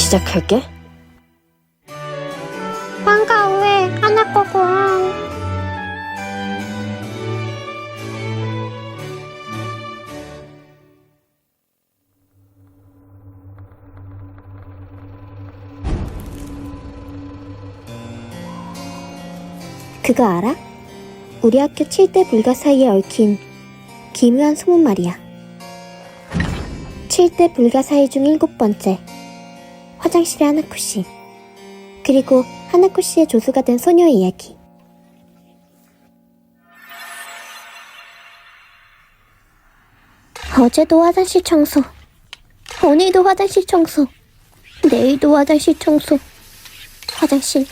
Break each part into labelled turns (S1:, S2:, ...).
S1: 시작할게.
S2: 반가워해, 하나코군.
S3: 그거 알아? 우리 학교 7대 불가 사이에 얽힌 기묘한 소문 말이야. 7대 불가 사이 중 7번째. 화장실의 하나코 씨. 그리고 하나코 씨의 조수가 된 소녀의 이야기. 어제도 화장실 청소. 오늘도 화장실 청소. 내일도 화장실 청소. 화장실.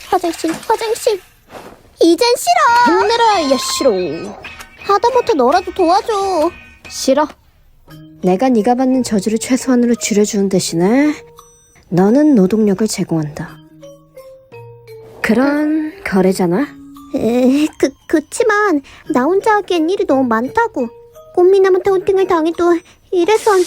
S3: 이젠 싫어!
S1: 힘내라, 야 싫어.
S3: 하다못해 너라도 도와줘.
S1: 싫어. 내가 네가 받는 저주를 최소한으로 줄여주는 대신에 너는 노동력을 제공한다. 그런 거래잖아.
S3: 그치만 나 혼자 하기엔 일이 너무 많다고. 꽃미남한테 헌팅을 당해도 이래선.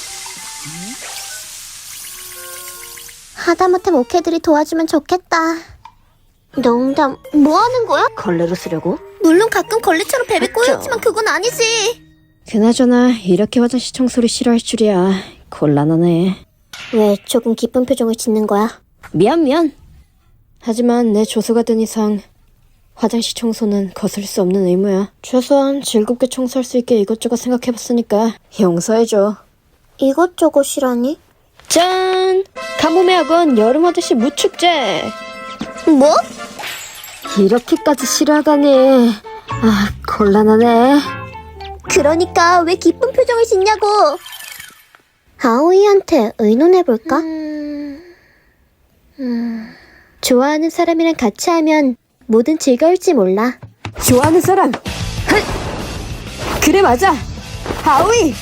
S3: 하다못해 목회들이 도와주면 좋겠다. 농담, 뭐 하는 거야?
S1: 걸레로 쓰려고?
S3: 물론 가끔 걸레처럼 뱀이 꼬였지만 그건 아니지.
S1: 그나저나 이렇게 화장실 청소를 싫어할 줄이야. 곤란하네.
S3: 왜 조금 기쁜 표정을 짓는 거야?
S1: 미안. 하지만 내 조수가 된 이상 화장실 청소는 거슬 수 없는 의무야. 최소한 즐겁게 청소할 수 있게 이것저것 생각해봤으니까 용서해줘.
S3: 이것저것이라니?
S1: 짠! 가뭄의 학원 여름 화장실 무축제!
S3: 뭐?
S1: 이렇게까지 싫어하다니. 아, 곤란하네.
S3: 그러니까 왜 기쁜 표정을 짓냐고. 아오이한테 의논해볼까? 좋아하는 사람이랑 같이 하면 뭐든 즐거울지 몰라.
S1: 좋아하는 사람! 헐! 그래 맞아! 아오이!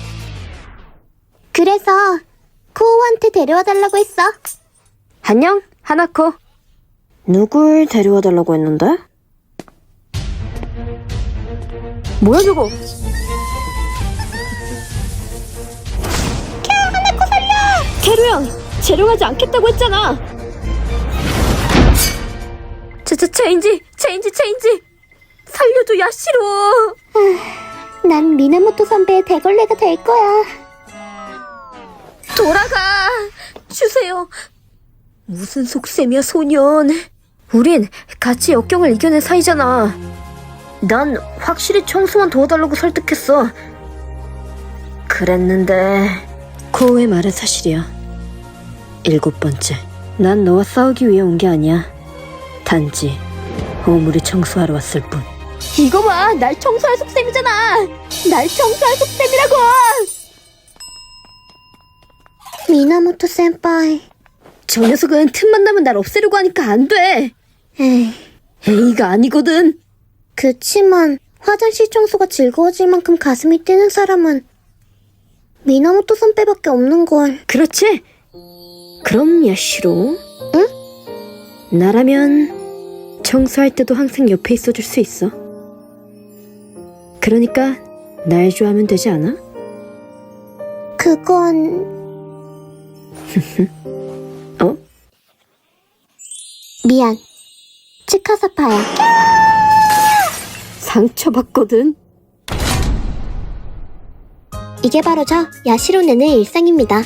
S3: 그래서 코오한테 데려와달라고 했어.
S1: 안녕, 하나코. 누굴 데려와달라고 했는데? 뭐야 저거?
S3: 하나코 살려!
S1: 캐루 형! 재롱하지 않겠다고 했잖아! 체인지! 살려줘, 야시로!
S3: 난 미나모토 선배의 대걸레가 될 거야.
S1: 돌아가! 주세요! 무슨 속셈이야, 소년. 우린 같이 역경을 이겨낸 사이잖아. 난 확실히 청소만 도와달라고 설득했어. 그랬는데 코우의 말은 사실이야. 7번째. 난 너와 싸우기 위해 온 게 아니야. 단지 오물이 청소하러 왔을 뿐. 이거 봐! 날 청소할 속셈이잖아! 날 청소할 속셈이라고!
S3: 미나모토 센파이.
S1: 저 녀석은 틈만 나면 날 없애려고 하니까 안 돼! 에이가 아니거든!
S3: 그치만 화장실 청소가 즐거워질 만큼 가슴이 뛰는 사람은 미나모토 선배밖에 없는걸.
S1: 그렇지? 그럼 야시로? 응? 나라면 청소할 때도 항상 옆에 있어줄 수 있어. 그러니까 날 좋아하면 되지 않아?
S3: 그건...
S1: 어?
S3: 미안. 치카사파야.
S1: 상처받거든?
S3: 이게 바로 저 야시로네의 일상입니다.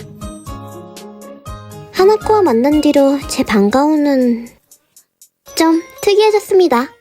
S3: 하나코와 만난 뒤로 제 반가움은 좀 특이해졌습니다.